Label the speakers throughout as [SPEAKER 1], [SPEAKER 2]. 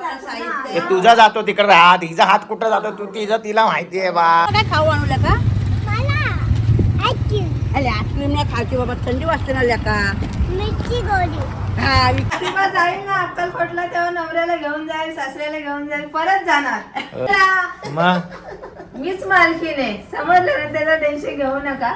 [SPEAKER 1] ते तुझा जातो तिकडे हात, हिचा हात कुठं जातो तू तिला माहिती आहे बा.
[SPEAKER 2] काय खाऊ आणू का? अरे आईस्क्रीम नाही खायची बाबा, थंडी वाजते ना लेका.
[SPEAKER 3] मिरची गोडी.
[SPEAKER 2] हा
[SPEAKER 4] तेव्हा जाईल ना अक्कलकोटला, तेव्हा नवऱ्याला घेऊन जाईल, सासऱ्याला घेऊन जाईल, परत जाणार.
[SPEAKER 1] मग
[SPEAKER 4] मीच मालकीण आहे, समजलं ना, त्याचं टेन्शन घेऊ नका.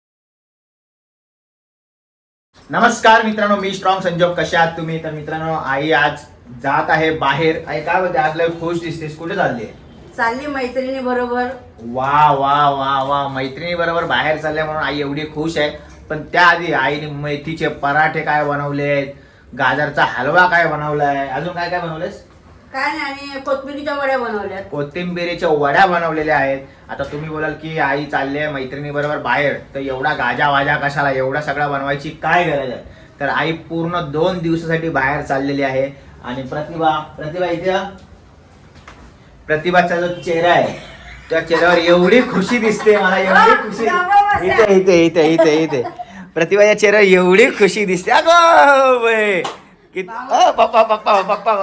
[SPEAKER 1] नमस्कार मित्रांनो, मी स्ट्रॉंग संजोग. कशा आहात तुम्ही? तर मित्रांनो, आई आज जात आहे बाहेर. आई काय बोलते? आज लय खुश दिसतेस, कुठे चालली?
[SPEAKER 2] चालली मैत्रिणी बरोबर.
[SPEAKER 1] वा वा वा वा, मैत्रिणी बरोबर बाहेर चालल्या म्हणून आई एवढी खुश आहे. पण त्याआधी आईने मेथीचे पराठे काय बनवलेत, गाजरचा हलवा काय बनवलाय, अजून काय काय बनवलेस?
[SPEAKER 2] काय नाही, आणि कोथिंबिरीच्या वड्या बनवल्यात.
[SPEAKER 1] कोथिंबिरीच्या वड्या बनवलेल्या आहेत. आता तुम्ही बोलाल की आई चालली आहे मैत्रिणी बरोबर बाहेर, तर एवढा गाजा वाजा कशाला, एवढा सगळा बनवायची काय गरज आहे? तर आई पूर्ण 2 दिवसासाठी बाहेर चाललेली आहे. आणि प्रतिभा इथे, प्रतिभाचा जो चेहरा आहे त्या चेहऱ्यावर एवढी खुशी दिसते मला, एवढी खुशी. इथे इथे इथे इथे इथे प्रतिभाच्या चेहऱ्यावर एवढी खुशी दिसते. अगो बाई, पप्पा पप्पा पप्पा.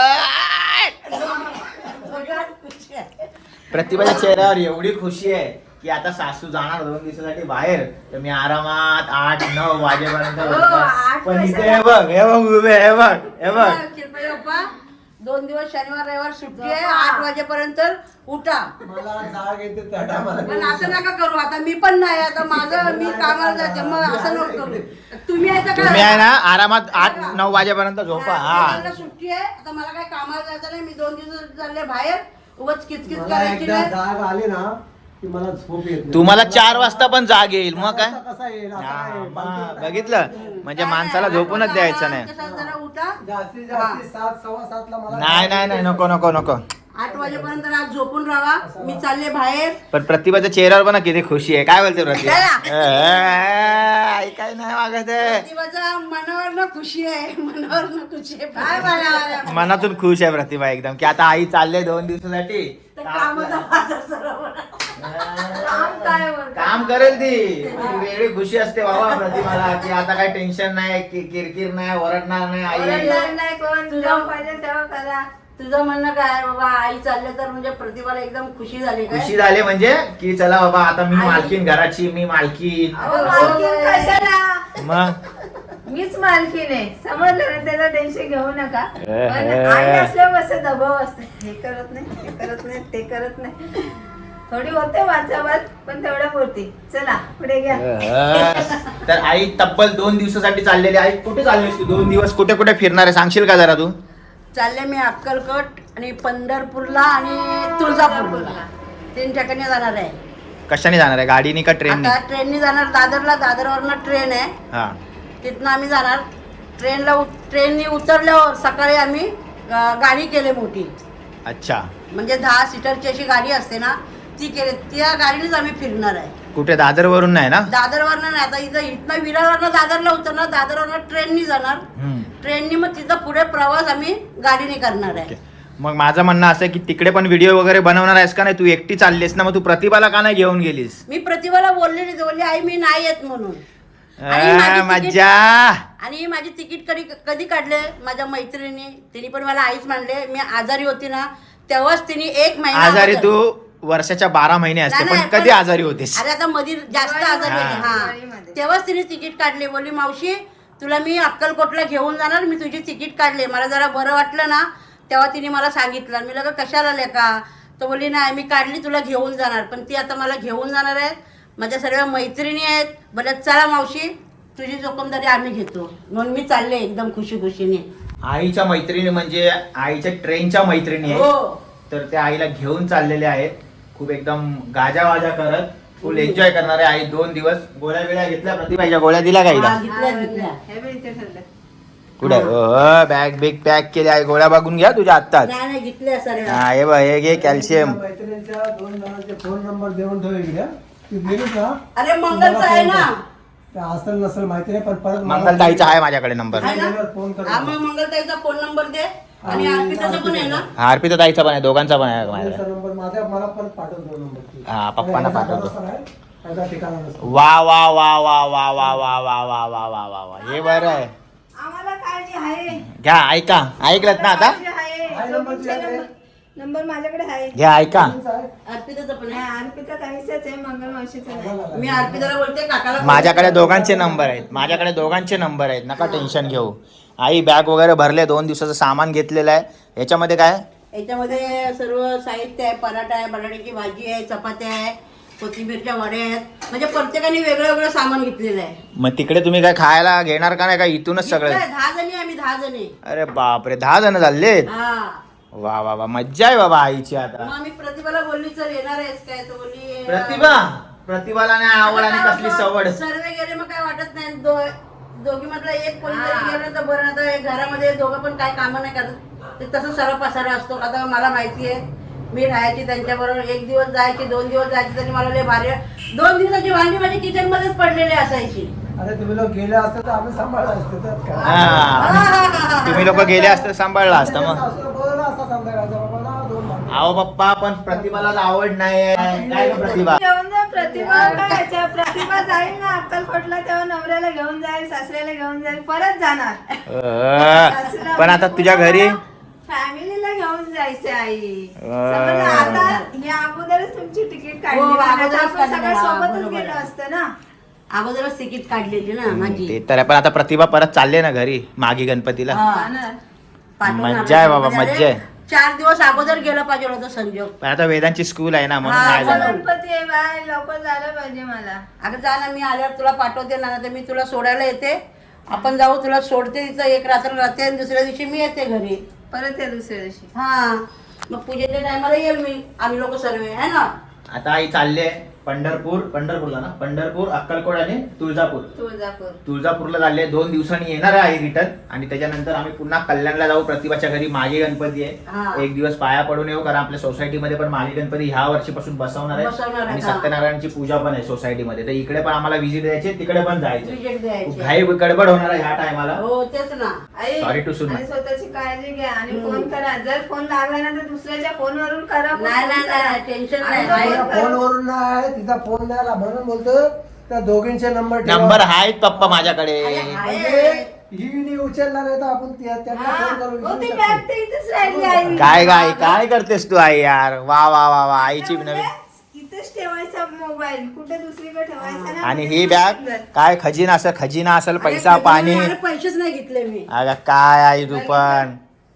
[SPEAKER 1] प्रतिभाच्या चेहऱ्यावर एवढी खुशी आहे की आता सासू जाणार 2 दिवसासाठी बाहेर, तर मी आरामात 8-9 वाजेपर्यंत बसणार. पण इथे हे बघ उभे, हे बघ
[SPEAKER 2] 2 दिवस शनिवार रविवार सुट्टी आहे. 8 वाजेपर्यंत उठा.
[SPEAKER 5] मला जाग येते त्या टायमाला.
[SPEAKER 2] पण असं नका करू, आता मी पण नाही, आता माझं मी कामाला जाते, मग असं नको करू. तुम्ही
[SPEAKER 1] आहे ना, आरामात 8-9 वाजेपर्यंत झोपा. हा,
[SPEAKER 2] सुट्टी आहे, आता मला काय कामाला जायचं नाही. मी 2 दिवस चालले बाहेर, उगाच किचकिच
[SPEAKER 5] मला
[SPEAKER 2] करायची
[SPEAKER 5] एकदा
[SPEAKER 2] नाही.
[SPEAKER 5] जाग आली ना की मला झोप येत नाही.
[SPEAKER 1] तुम्हाला 4 वाजता पण जाग येईल, मग काय?
[SPEAKER 5] कसा येईल असा
[SPEAKER 1] हा,
[SPEAKER 5] आहे.
[SPEAKER 1] मग बघितलं, म्हणजे माणसाला झोपूनच द्यायचं नाही.
[SPEAKER 2] कसं जरा उठा.
[SPEAKER 5] जास्तीत जास्त 7-7:15 ला मला
[SPEAKER 1] नाही नको नको नको.
[SPEAKER 2] 8 वाजेपर्यंत आज झोपून राहा. मी चालले बाहेर.
[SPEAKER 1] पण प्रतिभाच्या चेहऱ्यावर पण किती खुशी आहे. काय बोलते प्रतिभा?
[SPEAKER 2] चला.
[SPEAKER 1] आई काय नाही मागत आहे.
[SPEAKER 2] प्रतिभाचा मनावर ना खुशी आहे, मनावर ना खुशी आहे. काय मला
[SPEAKER 1] मनातून खुश आहे प्रतिभा एकदम, की आता आई चालले 2 दिवसासाठी.
[SPEAKER 2] कामाचा बाजार सर्व.
[SPEAKER 4] काम काय बोलतो?
[SPEAKER 1] काम करेल ती. वेगळी खुशी असते बाबा प्रतिभाला, की आता काही टेन्शन नाही, किरकिर नाही, ओरडणार नाही आई.
[SPEAKER 4] ओरडणार नाही कोण, तुझ्या पाहिजे तेव्हा करा.
[SPEAKER 2] तुझं म्हणणं काय बाबा, आई चालले तर म्हणजे प्रतिभाला एकदम खुशी झाली काय?
[SPEAKER 1] खुशी झाली म्हणजे की चला बाबा आता मी मालकीन घराची, मी मालकीन.
[SPEAKER 4] अहो, मालकीण कशाला?
[SPEAKER 1] मग
[SPEAKER 4] मीच मालकीण आहे, समजलं ना, त्याचं टेन्शन घेऊ नका. पण आई असल्यावर असं दबाव असते, हे करत नाही, हे करत नाही, ते करत नाही. थोडी होते वाचावाच, पण तेवढ्या पुरती. चला पुढे घ्या.
[SPEAKER 1] तर आई तब्बल 2 दिवसासाठी चाललेली. आई कुठे चाललीस तू? 2 दिवस कुठे कुठे फिरणार आहे, सांगशील का जरा तू?
[SPEAKER 2] चालले मी अक्कलकोट आणि पंढरपूरला आणि तुळजापूरला 3 ठिकाणी जाणार आहे.
[SPEAKER 1] कशाने जाणार आहे, गाडीने का ट्रेनने?
[SPEAKER 2] आता ट्रेननी जाणार दादरला. दादरवरनं ट्रेन आहे,
[SPEAKER 1] हा,
[SPEAKER 2] तिथनं आम्ही जाणार. ट्रेननी उतरल्यावर सकाळी आम्ही गाडी केली मोठी,
[SPEAKER 1] अच्छा.
[SPEAKER 2] म्हणजे 10 सीटरची अशी गाडी असते ना, ती केली. त्या गाडीनेच आम्ही फिरणार आहे.
[SPEAKER 1] कुठे, दादर वरून नाही ना?
[SPEAKER 2] दादरवरनं नाही, आता इथनं विरारवरनं दादरला उतरणार, दादरवरनं ट्रेननी जाणार. ट्रेननी मग तिथं पुढे प्रवास आम्ही गाडीने करणार आहे.
[SPEAKER 1] मग माझं म्हणणं असं आहे की तिकडे पण व्हिडिओ वगैरे बनवणार आहेस का नाही? तू एकटी चाललीस ना, मग तू प्रतिभाला का नाही घेऊन गेलीस?
[SPEAKER 2] मी प्रतिभाला बोलली आई मी नाही येत म्हणून. आणि माझी
[SPEAKER 1] मज्जा.
[SPEAKER 2] आणि माझी तिकीट कधी काढले माझ्या मैत्रिणी, तिने पण मला आईच मानले. मी आजारी होती ना, तेव्हाच तिने 1 महिना
[SPEAKER 1] आजारी तू वर्षाच्या 12 महिने असते, पण कधी आजारी होतीस?
[SPEAKER 2] अरे आता मध्ये जास्त आजारी होती. हा,
[SPEAKER 4] दिवाळीमध्ये.
[SPEAKER 2] तेव्हाच तिने तिकीट काढले. बोलली मावशी तुला मी अक्कलकोटला घेऊन जाणार, मी तुझी तिकीट काढले. मला जरा बरं वाटलं ना, तेव्हा तिने मला सांगितलं. मी लगा कशाला लेका, तो बोलली नाही मी काढली, तुला घेऊन जाणार. पण ती आता मला घेऊन जाणार आहे. माझ्या सर्व मैत्रिणी आहेत. बोलत चला मावशी तुझी जोखमदारी आम्ही घेतो, म्हणून मी चालले एकदम खुशी खुशीने.
[SPEAKER 1] आईच्या मैत्रिणी म्हणजे आईच्या ट्रेनच्या मैत्रिणी आहेत.
[SPEAKER 2] हो,
[SPEAKER 1] तर त्या आईला घेऊन चाललेल्या आहेत, खूप एकदम गाजावाजा करत फुल एन्जॉय करणार आहे आई 2 दिवस. गोळ्या बिळ्या घेतल्या प्रतिभाच्या? गोळ्या दिल्या का?
[SPEAKER 2] घेतल्या.
[SPEAKER 4] हे बी इथे ठेवलं.
[SPEAKER 1] कुठे बॅग बिग पॅक केल्या आहे? गोळ्या बघून घ्या तुझ्या आत्ताच.
[SPEAKER 2] नाही घेतल्या सर्व.
[SPEAKER 1] हा, हे बघ, हे घे कॅल्शियम.
[SPEAKER 5] मैत्रिणींच्या 2 जणांचे फोन नंबर देऊन ठेव इकडे. ती गेलीच ना,
[SPEAKER 2] अरे मंगलचा आहे ना,
[SPEAKER 5] ते असेल नसेल माहिती नाही, पण परत
[SPEAKER 1] मंगलताईचा आहे माझ्याकडे नंबर.
[SPEAKER 2] आहे ना?
[SPEAKER 5] फोन कर.
[SPEAKER 2] हा, मग मंगलताईचा फोन नंबर दे. आणि अर्पिताचा पण आहे ना.
[SPEAKER 1] हा, अर्पिता ताईचा पण आहे, दोघांचा पण आहे माझ्याकडे.
[SPEAKER 5] त्यांचा नंबर मला पण पाठवतो नंबर.
[SPEAKER 1] हा, पप्पांना पाठवतो.
[SPEAKER 5] ठिकाणा नसतो.
[SPEAKER 1] वा वा वा वा वा वा वा वा वा वा वा वा वा, हे बरं आहे.
[SPEAKER 4] आम्हाला काळजी आहे.
[SPEAKER 1] घ्या, ऐका, ऐकलत ना आता?
[SPEAKER 4] काळजी आहे.
[SPEAKER 5] नंबर तुझ्याकडे?
[SPEAKER 4] नंबर माझ्याकडे आहे.
[SPEAKER 1] घ्या ऐका
[SPEAKER 2] अर्पिताचं पण
[SPEAKER 4] नाही,
[SPEAKER 2] आहे.
[SPEAKER 4] अर्पिता ताईचाच आहे, मंगल मावशीचा नाही.
[SPEAKER 2] मी अर्पिताला बोलते काकाला
[SPEAKER 1] माझ्याकडे दोघांचे नंबर आहेत नका टेन्शन घेऊ. आई बॅग वगैरे भरले 2 दिवसाचं सामान घेतलेलं आहे. याच्यामध्ये काय
[SPEAKER 2] याच्यामध्ये सर्व साहित्य आहे. पराठा आहे, बटाट्याची भाजी आहे, चपात्या आहे, कोथिंबीरच्या वड्या आहेत. म्हणजे प्रत्येकाने वेगळं वेगळं सामान घेतलेलं आहे.
[SPEAKER 1] मग तिकडे तुम्ही काय खायला घेणार का नाही का इथूनच सगळं?
[SPEAKER 2] 10 जणी आम्ही 10 जणी.
[SPEAKER 1] अरे बापरे 10 जण झालेत.
[SPEAKER 2] हा
[SPEAKER 1] वा वा वा मज्जा आहे बाबा आईची आता.
[SPEAKER 2] मग मी प्रतिभाला बोलली चल येणार आहेस काय, तर बोलली
[SPEAKER 1] प्रतिभाला नाही आवड आणि कसली सवड.
[SPEAKER 2] सर्वे गेले मग काय वाटत नाही. दोघी मधला एक कोणीतरी गेलं तर बरं. आता घरामध्ये दोघं पण काय कामं नाही करत, ते तसं सर्व पसारा असतो. आता मला माहिती आहे, मी राहायची त्यांच्याबरोबर. 1 दिवस जायची, 2 दिवस जायची, तरी मला लय भारी. 2 दिवसाची भांडी माझी किचन मध्येच पडलेली असायची.
[SPEAKER 5] अरे तुम्ही लोक गेले असते तर आम्ही सांभाळलं असतं त्यात काय.
[SPEAKER 1] हा तुम्ही लोक गेले असते सांभाळला असता मग.
[SPEAKER 5] सासूला बोलवलं असतं संध्याकाळचं, बाबा जा 2 भांडी.
[SPEAKER 1] अहो पप्पा पण प्रतिभाला आवड नाही काय ग प्रतिभा?
[SPEAKER 4] घेऊन जा प्रतिभा. काय प्रतिभा जाईल ना अक्कलकोटला, तेव्हा नवऱ्याला घेऊन जाईल, सासऱ्याला घेऊन जाईल, परत जाणार.
[SPEAKER 1] पण आता तुझ्या घरी
[SPEAKER 4] फॅमिलीला घेऊन जायचं आई. समजा आता या अगोदरच तुमची तिकीट काढली
[SPEAKER 2] हो,
[SPEAKER 4] ना,
[SPEAKER 2] अगोदरच
[SPEAKER 4] नाहीतर आपण सगळं
[SPEAKER 2] काढली.
[SPEAKER 4] सोबतच
[SPEAKER 2] बरोबर
[SPEAKER 4] गेलो
[SPEAKER 2] आहे.
[SPEAKER 4] असतं ना.
[SPEAKER 2] अगोदरच तिकीट काढलेली ना माझी.
[SPEAKER 1] ते तर आहे, पण आता प्रतिभा परत चालले ना घरी मागी गणपतीला.
[SPEAKER 2] हा.
[SPEAKER 4] जाणार.
[SPEAKER 2] पाठवून
[SPEAKER 1] मज्जा आहे बाबा,
[SPEAKER 2] म्हणजे
[SPEAKER 1] मज्जा आहे.
[SPEAKER 2] 4 दिवस अगोदर गेलं पाहिजे होतं संजोग.
[SPEAKER 1] पण आता वेदांची स्कूल आहे ना म्हणून
[SPEAKER 2] हा,
[SPEAKER 1] नाही
[SPEAKER 4] आता
[SPEAKER 1] झालं.
[SPEAKER 4] गणपती आहे बाय, लवकर झालं पाहिजे मला.
[SPEAKER 2] अगं जा ना, मी आल्यावर तुला पाठवते ना, तर मी तुला सोडायला येते. आपण जाऊ, तुला सोडते तिथं, एक रात्र राहते आणि दुसऱ्या दिवशी मी येते घरी.
[SPEAKER 4] परत या दुसऱ्या दिवशी.
[SPEAKER 2] हा मग पूजेच्या टायमाला येईल मी, आम्ही लोक सर्व आहे ना.
[SPEAKER 1] आता आई चालले पंढरपूरला ना, पंढरपूर, अक्कलकोट आणि तुळजापूर. तुळजापूरला चालले. 2 दिवसांनी येणार आहे रिटर्न. आणि त्याच्यानंतर आम्ही पुन्हा कल्याणला जाऊ. प्रतिभाच्या घरी मागे गणपती
[SPEAKER 2] हा.
[SPEAKER 1] आहे. 1 दिवस पाया पडून येऊ, कारण आपल्या सोसायटीमध्ये पण मागे गणपती ह्या वर्षीपासून बसवणार
[SPEAKER 2] बसवणार
[SPEAKER 1] आहे.
[SPEAKER 2] आहे,
[SPEAKER 1] आणि
[SPEAKER 2] हा.
[SPEAKER 1] सत्यनारायणची पूजा पण आहे सोसायटीमध्ये. तर इकडे पण आम्हाला व्हिजिट द्यायची, तिकडे पण जायचं.
[SPEAKER 2] विजेट द्यायचे.
[SPEAKER 1] घाई गडबड होणार आहे ह्या टायमाला.
[SPEAKER 2] हो तेच ना.
[SPEAKER 4] आई,
[SPEAKER 1] Sorry to सुना.
[SPEAKER 4] आणि स्वतःची काळजी घ्या आणि फोन करा. जर फोन लागला ना तर दुसऱ्याच्या फोनवरून करा.
[SPEAKER 2] नाही नाही नाही टेन्शन नाही.
[SPEAKER 4] आणि
[SPEAKER 2] आहे.
[SPEAKER 5] तिचा फोनवरून नाही, तिचा फोन नाही आला म्हणून बोलतो त्या दोघींचे नंबर ठेवा.
[SPEAKER 1] नंबर आहेत पप्पा माझ्याकडे.
[SPEAKER 5] म्हणजे ही नाही उचलणार आहे तर आपण त्यांना फोन करून
[SPEAKER 4] हो, ती
[SPEAKER 5] विचारू
[SPEAKER 4] बॅग
[SPEAKER 5] शकतो.
[SPEAKER 4] तर इथेच राहिली आई.
[SPEAKER 1] काय करतेस तू आई यार? वा वा वा वा आईची नवीन.
[SPEAKER 4] इथेच ठेवायचा मोबाईल, कुठे दुसरीकडे ठेवायचा ना.
[SPEAKER 1] आणि ही बॅग काय खजिना असेल, पैसा
[SPEAKER 2] अरे,
[SPEAKER 1] पाणी.
[SPEAKER 2] अरे, पैसेच नाही घेतले मी.
[SPEAKER 1] अगं काय आई तू पण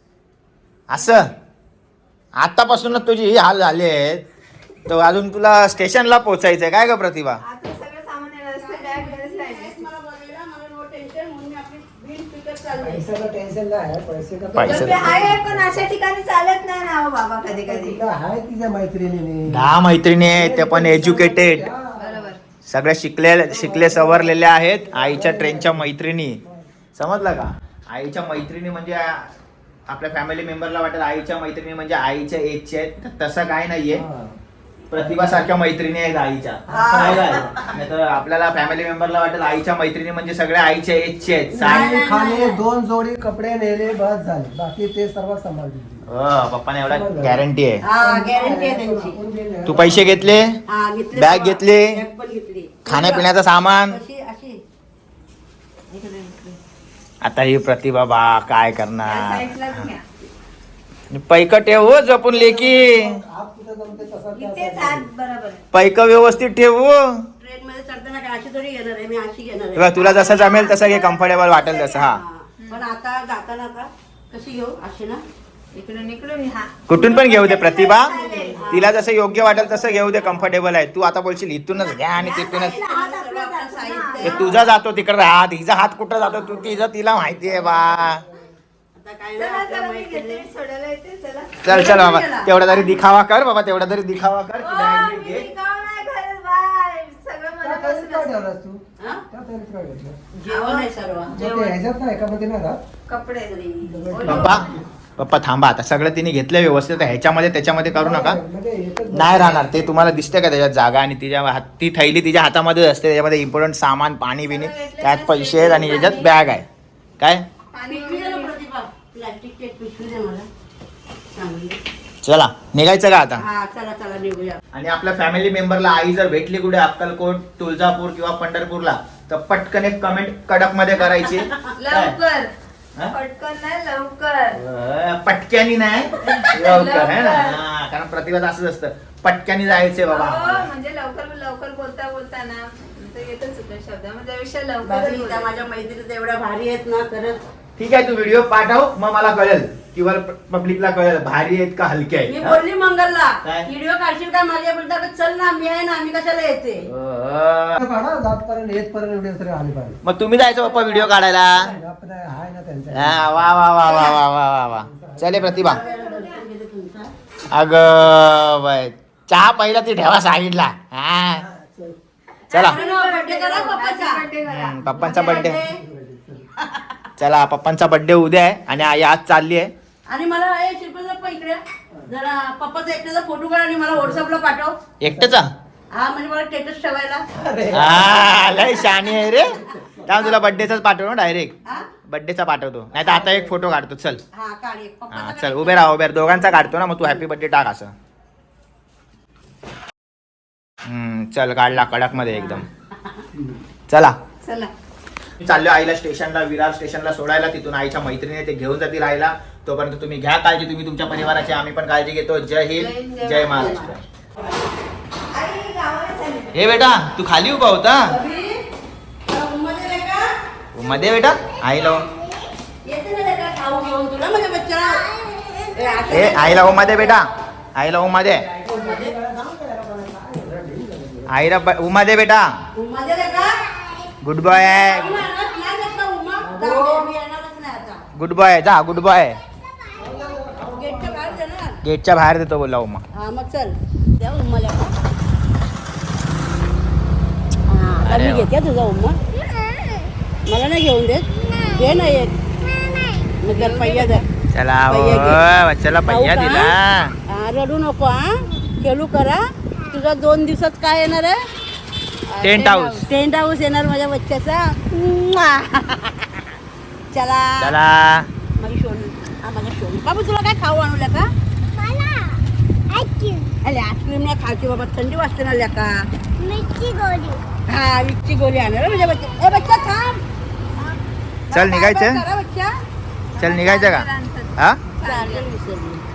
[SPEAKER 1] असं आतापासूनच तुझी ही हाल झाले आहेत, तर अजून तुला स्टेशनला पोहोचायचंय काय ग प्रतिभा?
[SPEAKER 4] आता सगळं सामान येणार असतं, बॅग घरीच राहिली.
[SPEAKER 2] मला बोललेलं, मला नो टेन्शन, म्हणून मी आपली बिल पिकअप चालले.
[SPEAKER 5] पैशाचं टेन्शन नाही आहे, पैसे का
[SPEAKER 1] पैसे-
[SPEAKER 4] डबे आहे पण अशा ठिकाणी चालत नाही ना हो बाबा, कधी कधी.
[SPEAKER 5] तिला आहे तिच्या मैत्रिणीने
[SPEAKER 1] 10 मैत्रिणी आहेत, ते पण एज्युकेटेड,
[SPEAKER 4] बरोबर.
[SPEAKER 1] सगळ्या शिकले सवरलेल्या आहेत. आईच्या ट्रेनच्या मैत्रिणी, समजलं का? आईच्या मैत्रिणी म्हणजे आपल्या फॅमिली मेंबरला वाटेल आईच्या मैत्रिणी म्हणजे आईच्या एजच्या आहेत, तर तसं काय नाहीये. प्रतिभा सारख्या मैत्रिणी आहेत आईच्या. नाही तर आपल्याला फॅमिली मेंबरला वाटेल आईच्या मैत्रिणी म्हणजे सगळ्या आईच्या एजचे आहेत.
[SPEAKER 5] साडी खाली 2 जोडी कपडे नेले बस झाले, बाकी ते सर्व सांभाळतील.
[SPEAKER 1] पप्पाने एवढा गॅरंटी आहे.
[SPEAKER 2] हा गॅरंटी आहे त्यांची.
[SPEAKER 5] आपण गेले.
[SPEAKER 1] तू पैसे घेतले,
[SPEAKER 2] हा घेतले.
[SPEAKER 1] बॅग घेतली,
[SPEAKER 2] बॅग पण घेतली.
[SPEAKER 1] खाण्यापिण्याचं सामान.
[SPEAKER 2] अशी अशी इकडे घेतली.
[SPEAKER 1] आता ही प्रतिभा बा काय
[SPEAKER 4] या
[SPEAKER 1] करणार?
[SPEAKER 4] साईडलाच घ्या.
[SPEAKER 1] पैक ठेव हो, जपून लेकी.
[SPEAKER 5] हात कुठं जमते तसा त्या
[SPEAKER 4] इथेच
[SPEAKER 5] साईडला.
[SPEAKER 4] हात बरोबर.
[SPEAKER 1] पैक व्यवस्थित ठेव हो.
[SPEAKER 2] ट्रेन मध्ये चढताना काय अशी थोडी घेणार आहे, मी अशी घेणार
[SPEAKER 1] तेव्हा
[SPEAKER 2] आहे.
[SPEAKER 1] तुला जसं जमेल तसं घे, कम्फर्टेबल वाटेल तसं. हा
[SPEAKER 2] पण आता जाताना आता कशी घेऊ, अशी ना.
[SPEAKER 4] इकडून इकडून हा.
[SPEAKER 1] कुठून पण घेऊ दे प्रतिभा,
[SPEAKER 4] चालेल.
[SPEAKER 1] तिला जसं योग्य वाटेल तसं घेऊ दे, कम्फर्टेबल आहे. तू आता बोलशील इथूनच घ्या आणि तिथूनच,
[SPEAKER 4] हात आपला जातो ना.
[SPEAKER 1] ते तुझा जातो तिकडे हात, हिचा हात कुठं जातो तू तिला माहितीये बा.
[SPEAKER 2] आता काय
[SPEAKER 4] चला
[SPEAKER 2] नाही,
[SPEAKER 4] चला,
[SPEAKER 2] आता
[SPEAKER 4] मी घेते,
[SPEAKER 2] मैत्रिणी.
[SPEAKER 4] मी सोडायला येते, चला.
[SPEAKER 1] चल बाबा, तेवढा तरी दिखावा कर बाबा, तेवढा तरी दिखावा कर.
[SPEAKER 4] ओ, मी रिकाम नाही करत बाय. सगळं
[SPEAKER 5] त्या ताईत
[SPEAKER 4] मनापासून
[SPEAKER 5] काय
[SPEAKER 4] असतं.
[SPEAKER 5] ठेवलास तू?
[SPEAKER 2] हा?
[SPEAKER 5] त्या ताईत काय घेतलं?
[SPEAKER 2] जेवण आहे सर्व.
[SPEAKER 5] मग ते ह्याच्यात नाही का, मग ते नाही राहत?
[SPEAKER 4] कपडे.
[SPEAKER 1] पप्पा थांबा, आता सगळं तिने घेतलं व्यवस्थित. ह्याच्यामध्ये त्याच्यामध्ये करू नका,
[SPEAKER 5] म्हणजे एकच
[SPEAKER 1] नाही राहणार ते. तुम्हाला दिसते का त्याच्यात जागा? आणि ती थैली तिच्या हातामध्ये असते, त्याच्यामध्ये इम्पॉर्टंट सामान, पाणी बिणी, त्यात पैसे आहेत आणि त्याच्यात बॅग आहे. काय
[SPEAKER 4] पाणी
[SPEAKER 2] पिशवी दे ना प्रतिभा, प्लास्टिकची एक पिशवी दे मला चांगली.
[SPEAKER 1] चला निघायचं का आता?
[SPEAKER 2] हा चला चला निघूया.
[SPEAKER 1] आणि आपल्या फॅमिली मेंबरला आई जर भेटली कुठे अक्कलकोट, तुळजापूर किंवा पंढरपूरला, तर पटकन एक कमेंट कडक मध्ये करायची.
[SPEAKER 4] लवकर
[SPEAKER 1] हा?
[SPEAKER 4] पटकन नाही लवकर.
[SPEAKER 1] पटक्यानी नाही लवकर आहे ना हा, कारण प्रतिभात असंच असतं पटक्यानी जायचंय बाबा
[SPEAKER 4] हो,
[SPEAKER 1] आम्हाला.
[SPEAKER 4] म्हणजे लवकर लवकर बोलता बोलता ना तर येतच होतं शब्द मग त्यापेक्षा लवकर
[SPEAKER 2] बाई, त्या माझ्या मैत्रिणी एवढ्या भारी आहेत ना खरंच.
[SPEAKER 1] ठीक आहे तू व्हिडिओ पाठव मग मला कळेल किंवा पब्लिकला कळेल भारी आहेत का हलके
[SPEAKER 2] मी
[SPEAKER 1] आहेत
[SPEAKER 2] बोलली मंगलला
[SPEAKER 1] काय?
[SPEAKER 2] व्हिडिओ काढशील का माझ्या बोलता का चल ना मी आहे ना मी कशाला येते.
[SPEAKER 5] काढा जातपर्यंत येतपर्यंत व्हिडिओ तरी आले पाहिजे
[SPEAKER 1] मग तुम्ही जायचं पप्पा व्हिडिओ काढायला
[SPEAKER 5] आपण आहे ना त्यांच्या
[SPEAKER 1] हा, वा वा वा वा वा वा वा वा चले प्रतिभा अग बाय चहा पहिला ती ठेवा सांगितला हा चला
[SPEAKER 2] बर्थडे करा पप्पाचा.
[SPEAKER 4] बर्थडे करा.
[SPEAKER 1] पप्पांचा बर्थडे चला पप्पांचा बर्थडे उद्या आहे आणि आई आज चालली आहे
[SPEAKER 2] आणि मला हे शिल्पा पण इकडे जरा पप्पाचा एकट्याचा फोटो काढ आणि मला व्हॉट्सअपला पाठव.
[SPEAKER 1] एकटेचा
[SPEAKER 2] हा म्हणजे मला स्टेटस ठेवायला.
[SPEAKER 1] हा लय शानी आहे रे त्या तुला बर्थडेचाच पाठवतो डायरेक्ट
[SPEAKER 2] हा
[SPEAKER 1] बर्थडेचा पाठवतो नाही तर आता एक फोटो काढतो चल
[SPEAKER 2] हा काढ एक
[SPEAKER 1] हा
[SPEAKER 2] पप्पाचा
[SPEAKER 1] चल
[SPEAKER 2] काढ.
[SPEAKER 1] उभे राहा उभे राहा. दोघांचा काढतो ना मग तू हॅपी बर्थडे टाक असं चल काढला कडक मध्ये एकदम चला
[SPEAKER 4] चला
[SPEAKER 1] चाललो आईला स्टेशनला विरार स्टेशनला सोडायला तिथून आईच्या मैत्रिणीने ते घेऊन जातील आईला तोपर्यंत तुम्ही घ्या काळजी तुम्ही तुमच्या परिवाराची आम्ही पण काळजी घेतो जय हिंद जय महाराष्ट्र
[SPEAKER 4] आई गावाला चालली.
[SPEAKER 1] हे बेटा तू खाली उभा होता
[SPEAKER 2] अभि, तुला उन्हामध्ये नाही का?
[SPEAKER 1] मध्ये बेटा आईला
[SPEAKER 2] येते ना लेका खाऊ घेऊन तुला माझ्या बच्चाला. ए, आता
[SPEAKER 1] हे आईला ओ मध्ये बेटा आईला ओ मध्ये आईला उमा दे बेटा
[SPEAKER 2] उन्हामध्ये लेका?
[SPEAKER 1] गुड बॉय आहे
[SPEAKER 2] उन्हा आणत नाही लेका उन्हा. जाऊ दे, मी येणारच नाही आता.
[SPEAKER 1] गुड बॉय जा गुड बॉय
[SPEAKER 2] गेटच्या बाहेर जाणार.
[SPEAKER 1] गेटच्या बाहेर देतो बोला उमा
[SPEAKER 2] हा मग चल द्या उम्मा लेका. हा, आता
[SPEAKER 1] अरे
[SPEAKER 2] मी
[SPEAKER 1] वा.
[SPEAKER 2] घेते तुझा उम्मा. मला नाही घेऊन देत घे ना एक मग जर पहिया जर
[SPEAKER 1] चला
[SPEAKER 2] पहिया घे.
[SPEAKER 1] बच्चाला
[SPEAKER 2] खाऊ
[SPEAKER 1] पहिया
[SPEAKER 2] का?
[SPEAKER 1] दिला
[SPEAKER 2] हा, रडू नको हा खेळू करा. तुझा 2 दिवसात काय येणार आहे
[SPEAKER 1] टेंट हाऊस.
[SPEAKER 2] टेंट हाऊस येणार माझ्या बच्च्याचा. म्वा. चला
[SPEAKER 1] चला
[SPEAKER 2] माझी शोनू हा माझा शोनू बाबू तुला काय खाऊ आणू का
[SPEAKER 3] मला आईस्क्रीम
[SPEAKER 2] अरे आईस्क्रीम नाही खायची बाबा थंडी वाजते ना लेका.
[SPEAKER 3] मिरची गोळी
[SPEAKER 2] हा विकची गोळी आणणार हं माझ्या बच्चा. ए बच्चा थांब.
[SPEAKER 1] चल, निघायचं?
[SPEAKER 2] करा बच्चा.
[SPEAKER 1] चल निघायचं का हा
[SPEAKER 2] चालेल विसरली.